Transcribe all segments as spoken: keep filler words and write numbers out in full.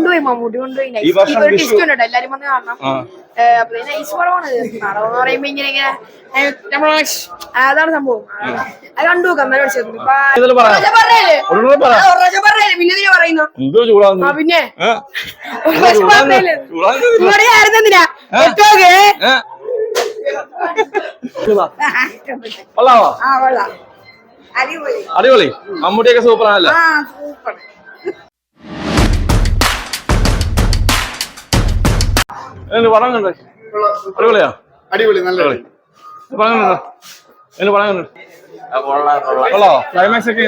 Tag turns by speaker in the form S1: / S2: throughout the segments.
S1: കൊണ്ടുപോയി മമ്മൂട്ടി കൊണ്ടുപോയി ടിസ്റ്റ് ഉണ്ട് എല്ലാരും വന്ന് കാണണം. അപ്പൊ നൈസ് പടമാണ്. പടം എന്ന് പറയുമ്പോ ഇങ്ങനെ ഇങ്ങനെ അതാണ് സംഭവം. അത് കണ്ടു നോക്കാം. പറഞ്ഞല്ലേ പിന്നെ ഇതിനെ പറയുന്നു. പിന്നെ ആയിരുന്നെന്തിനാ
S2: അടിപൊളി. മമ്മൂട്ടിയൊക്കെ സൂപ്പർ ആണല്ലേ? പടം കണ്ടേ? അടിപൊളിയാ? അടിപൊളി, നല്ല പടം കണ്ടോ? എന്റെ പടം കണ്ടു. കൊള്ളാവോ? ക്ലൈമാക്സ് ഒക്കെ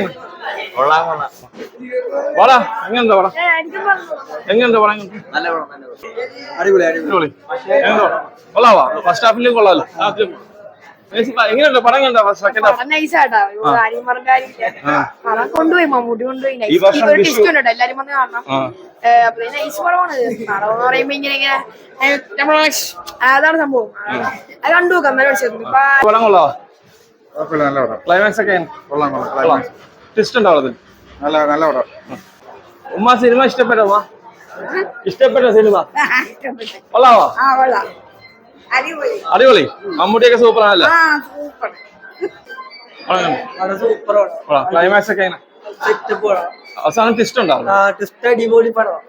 S2: വാടാ. എങ്ങനെയുണ്ടോ പടം? എങ്ങനെയുണ്ടോ പടം? അടിപൊളി അടിപൊളി. കൊള്ളാവോ? ഫസ്റ്റ് ഹാഫിലും കൊള്ളാലോ. എങ്ങനെയുണ്ടോ പടം കണ്ടോ? സെക്കൻഡ് ഹാഫ്
S1: കൊണ്ടുപോയി മമ്മൂട്ടി കൊണ്ടുപോയി ടിസ്റ്റ് ഉണ്ട് എല്ലാരും വന്ന് കാണണം. അപ്പൊ നൈസ് പടമാണ്. പടം എന്ന് പറയുമ്പോ ഇങ്ങനെ ഇങ്ങനെ അതാണ് സംഭവം. അത് കണ്ടു നോക്കാം.
S2: പടം കൊള്ളാവോ? ക്ലൈമാക്സ് ഒക്കെ ടിസ്റ്റ് ഉണ്ടാവും അതിൽ. നല്ല നല്ല പടം. ഉമ്മ സിനിമ ഇഷ്ടപ്പെട്ടോ? ഉമ്മ ഇഷ്ടപ്പെട്ടോ സിനിമ? കൊള്ളാവോ? അടിപൊളി. മമ്മൂട്ടിയൊക്കെ സൂപ്പർ ആണല്ലേ? ക്ലൈമാക്സ് ഒക്കെ അവസാനം ടിസ്റ്റ് ഉണ്ടാവും. അടിപൊളി.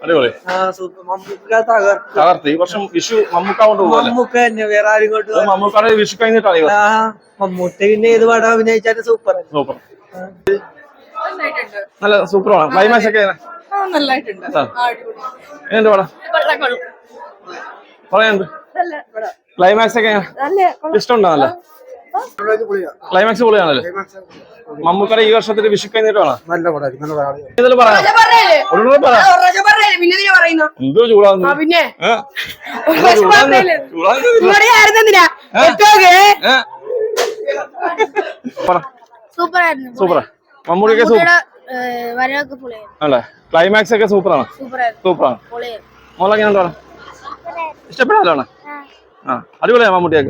S2: തകർത്ത്. ഈ വർഷം വിഷു മമ്മൂക്ക കൊണ്ട് പോകും. മമ്മൂക്കാടെ വിഷു കഴിഞ്ഞിട്ടാണ്
S3: മമ്മൂട്ടി പിന്നെ ഏത് പടം അഭിനയിച്ചാലും സൂപ്പർ
S2: സൂപ്പർ നല്ല സൂപ്പറാണ്. ക്ലൈമാക്സ് ഒക്കെ എങ്ങനെയുണ്ട് പടം? പറയാനുണ്ട്. ക്ലൈമാക്സ് ഒക്കെ ഇഷ്ടമുണ്ടോ? നല്ല ക്ലൈമാക്സ് പൊളിയാണല്ലേ? മമ്മൂക്കടെ ഈ വർഷത്തിൽ വിഷു കഴിഞ്ഞിട്ടാണ്. എന്തോ ചൂടാന്ന്.
S1: പിന്നെ
S2: സൂപ്പറാ. മമ്മൂടിയൊക്കെ അല്ലേ? ക്ലൈമാക്സ് ഒക്കെ സൂപ്പറാണ്. സൂപ്പറാണ്. മോളെങ്ങനെയുണ്ടോ? ഇഷ്ടപ്പെടാനാണ്? ആ അടിപൊളിയാ മമ്മൂട്ടിയൊക്കെ.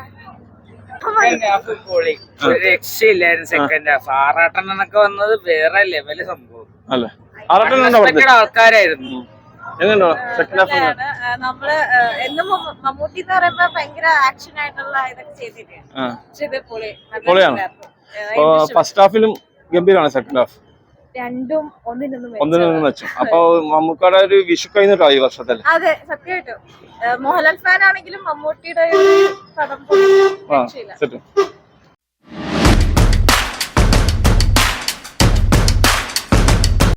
S4: രക്ഷയില്ലായിരുന്നു സെക്കൻഡ് ഹാഫ്. ആറാട്ടെണ്ണൊക്കെ വന്നത് വേറെ ലെവല് സംഭവം
S2: അല്ലേ? ആറാട്ടെണ്ണ
S4: ആൾക്കാരായിരുന്നു.
S2: എങ്ങനെയുണ്ടോ സെക്കൻഡ് ഹാഫ്?
S5: നമ്മള് എന്നും മമ്മൂട്ടി എന്ന് പറയുമ്പോ ഭയങ്കര ആക്ഷൻ ആയിട്ടുള്ള ഇതൊക്കെ ചെയ്തിട്ടാണ്.
S2: പൊളിയാണ്. ഫസ്റ്റ് ഹാഫിലും ഗംഭീരമാണ്. സെക്കൻഡ് ഹാഫ്
S5: രണ്ടും ഒന്നിനൊന്നും
S2: ഒന്നിനൊന്നും വെച്ചു. അപ്പൊ മമ്മൂക്കയുടെ ഒരു വിഷു കഴിഞ്ഞിട്ടോ ഈ വർഷത്തിൽ?
S5: അതെ സത്യമായിട്ടും. മോഹൻലാൽ ഫാൻ ആണെങ്കിലും മമ്മൂട്ടിയുടെ പടം